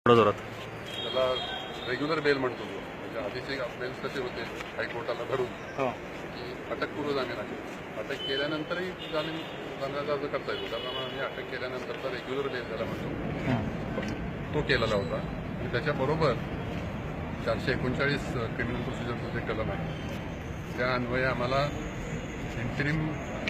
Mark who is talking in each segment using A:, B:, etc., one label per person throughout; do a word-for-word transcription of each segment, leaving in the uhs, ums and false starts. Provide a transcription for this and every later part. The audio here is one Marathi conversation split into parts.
A: थोडं जोरात.
B: त्याला रेग्युलर बेल म्हणतो तो. म्हणजे आधीचे बेल्स कसे होते हायकोर्टाला धरून की अटकपूर्व जामीन आहे, अटक केल्यानंतरही जामीन जामिनाचा अर्ज करता येतो. त्याप्रमाणे आम्ही अटक केल्यानंतरचा रेग्युलर बेल त्याला म्हणतो तो केलेला होता. आणि त्याच्याबरोबर चारशे एकोणचाळीस क्रिमिनल प्रोसिजरचं जे कलम आहे त्या अन्वये आम्हाला इंटरिम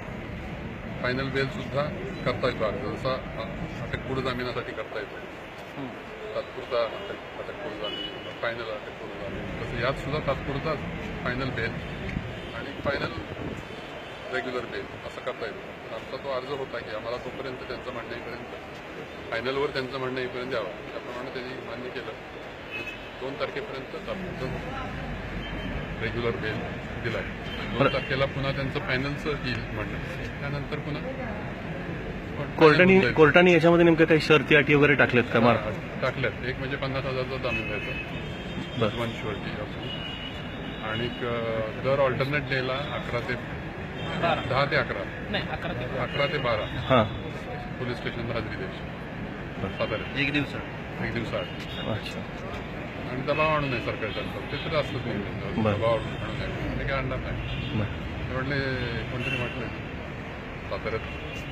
B: फायनल बेलसुद्धा करता येतो अर्ज, जसा अटकपूर्व जामिनासाठी करता येतो. तात्पुरता अटक अटकपूर्व जामीन, फायनल अटकपूर्व जामीन, तसं यात सुद्धा तात्पुरता फायनल बेल आणि फायनल रेग्युलर बेल असं करता येतो. पण आमचा तो अर्ज होता की आम्हाला तोपर्यंत त्यांचं म्हणणं येईपर्यंत फायनलवर त्यांचं म्हणणं येईपर्यंत द्यावं. त्याप्रमाणे त्यांनी मान्य केलं. दोन तारखेपर्यंत तात्पुरतं रेग्युलर बेल दिला आहे. दोन तारखेला पुन्हा त्यांचं फायनलचं येईल म्हणणं, त्यानंतर पुन्हा
A: कोर्टाने कोर्टाने याच्यामध्ये नेमक्या काही शर्ती अटी वगैरे टाकल्यात का? मार
B: टाकल्यात. एक म्हणजे पन्नास हजारचा जामीन द्यायचा वन शुअरिटी असून, आणि दर ऑल्टरनेट डेला अकरा ते दहा ते अकरा अकरा ते बारा
A: हां
B: पोलीस स्टेशनला हजेरी द्यायची साधारण
A: एक दिवसात
B: एक दिवसाआड.
A: अच्छा.
B: आणि दबाव आणू नये सरकारच्या, ते तर असतंच नाही. दबाव आणू नये ते काय आणणार नाही. ते म्हटले कोणतरी म्हटलं साताऱ्यात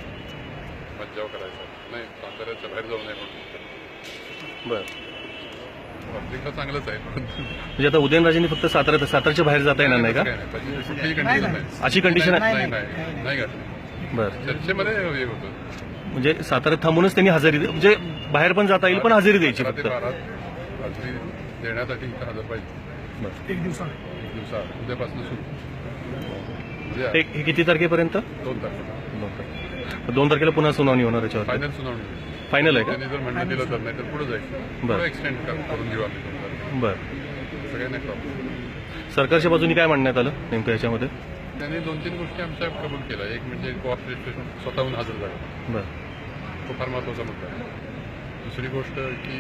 B: मज्जाव करायचा नाही, साताऱ्याच्या बाहेर जाऊ नये म्हणून.
A: बरं.
B: पब्लिकला चांगलंच आहे,
A: म्हणजे आता उदयनराजेंनी फक्त सातारा सातारच्या बाहेर जाता येणार नाही का?
B: कुठलीही कंडिशन नाही,
A: अशी कंडिशन
B: नाही नाही नाही घातली.
A: बरं.
B: चर्चेमध्ये हे होतं
A: म्हणजे साताऱ्यात थांबूनच त्यांनी हजेरी, म्हणजे बाहेर पण जाता येईल पण हजेरी द्यायची
B: अकरा
A: फक्त.
B: ते बारा हजेरी देण्यासाठी इथं हजर पाहिजे. एक दिवसा एक दिवसा उद्यापासून सुरू.
A: हे हे किती तारखेपर्यंत?
B: दोन तारखेला
A: दोन तारखेला दोन तारखेला पुन्हा सुनावणी होणार याच्यावर.
B: फायनल सुनावणी
A: फायनल आहे का?
B: त्यांनी जर म्हणणं दिलं तर, नाही तर पुढे जाईल. बरं, एक्सटेंड करून घेऊ आम्ही दोन तारखेला.
A: बरं.
B: सगळ्यांना प्रॉब्लेम.
A: सरकारच्या बाजूने काय म्हणण्यात आलं नेमकं याच्यामध्ये?
B: त्यांनी दोन तीन गोष्टी आमच्या कबूल केल्या. एक म्हणजे कोऑपरेशन स्वतःहून हजर झालं,
A: बरं.
B: तो फार महत्त्वाचा मुद्दा आहे. दुसरी गोष्ट की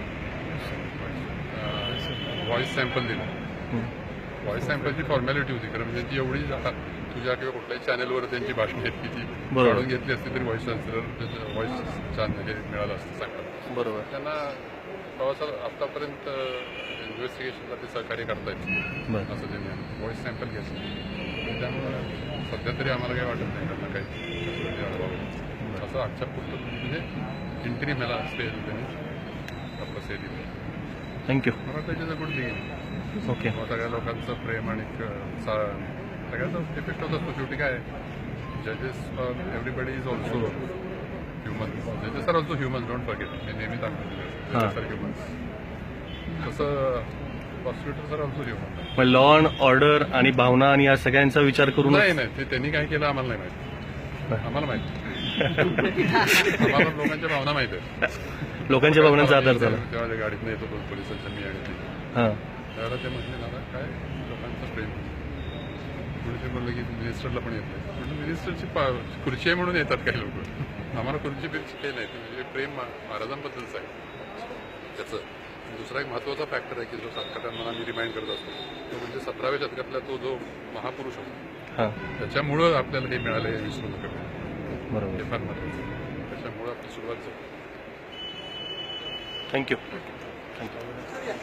B: व्हॉइस सॅम्पल दिलं. व्हॉइस सॅम्पलची फॉर्मॅलिटी होती, कारण म्हणजे ती एवढी तुझ्या किंवा कुठल्याही चॅनलवर त्यांची भाषणं आहेत की ती काढून घेतली असती तरी व्हॉइस चान्सलर व्हॉइस छान हे मिळालं असतं सॅम्पल.
A: बरोबर.
B: त्यांना प्रवासाला आत्तापर्यंत इन्व्हेस्टिगेशनला ते सहकार्य करतायत असं त्यांनी व्हॉइस सॅम्पल घेतलं. त्यामुळे सध्या तरी आम्हाला काही वाटत नाही त्यांना काही असं आजच्या पुरतं म्हणजे इंटरिम ह्याला स्टे त्यांनी आपलं स्टे दिलं.
A: थँक्यू.
B: मला त्याच्यात गुड थिंग.
A: ओके.
B: सगळ्या लोकांचं प्रेम आणि सगळ्याचा इफेक्ट होत असतो. शेवटी काय जजेस एव्हरीबडी इज ऑल्सो ह्युमन. जजेस are also human, don't forget. मी नेहमी सांगतो जजेस आर ह्युमन. तसं प्रॉसिक्युटर्स आर ऑल्सो ह्युमन.
A: मग लॉ अँड ऑर्डर आणि भावना आणि या सगळ्यांचा विचार करून
B: नाही नाही ते त्यांनी काय केलं आम्हाला नाही माहिती. आम्हाला माहिती आम्हाला लोकांच्या भावना माहिती आहेत.
A: लोकांच्या भावनांचा आधार झाला.
B: तेव्हा त्या गाडीतनं येतो पोलिसांच्या मी आणि ती
A: हां
B: त्यावेळेला ते म्हटले दादा काय लोकांचं प्रेम. पुढे ते म्हणलं की मिनिस्टरला पण येत नाही. म्हणजे मिनिस्टरची पा खुर्ची आहे म्हणून येतात काही लोक. आम्हाला खुर्ची बिर्ची काही नाही. म्हणजे प्रेम महाराजांबद्दलच आहे त्याचं. दुसरा एक महत्त्वाचा फॅक्टर आहे की जो सातत्यानं आम्ही रिमाइंड करत असतो तो म्हणजे सतराव्या शतकातला तो जो महापुरुष होता त्याच्यामुळं आपल्याला हे मिळालं हे विसरू नका.
A: बरोबर.
B: हे फार महत्त्वाचं. त्याच्यामुळं आपली सुरुवात झाली.
A: थँक्यू. थँक्यू.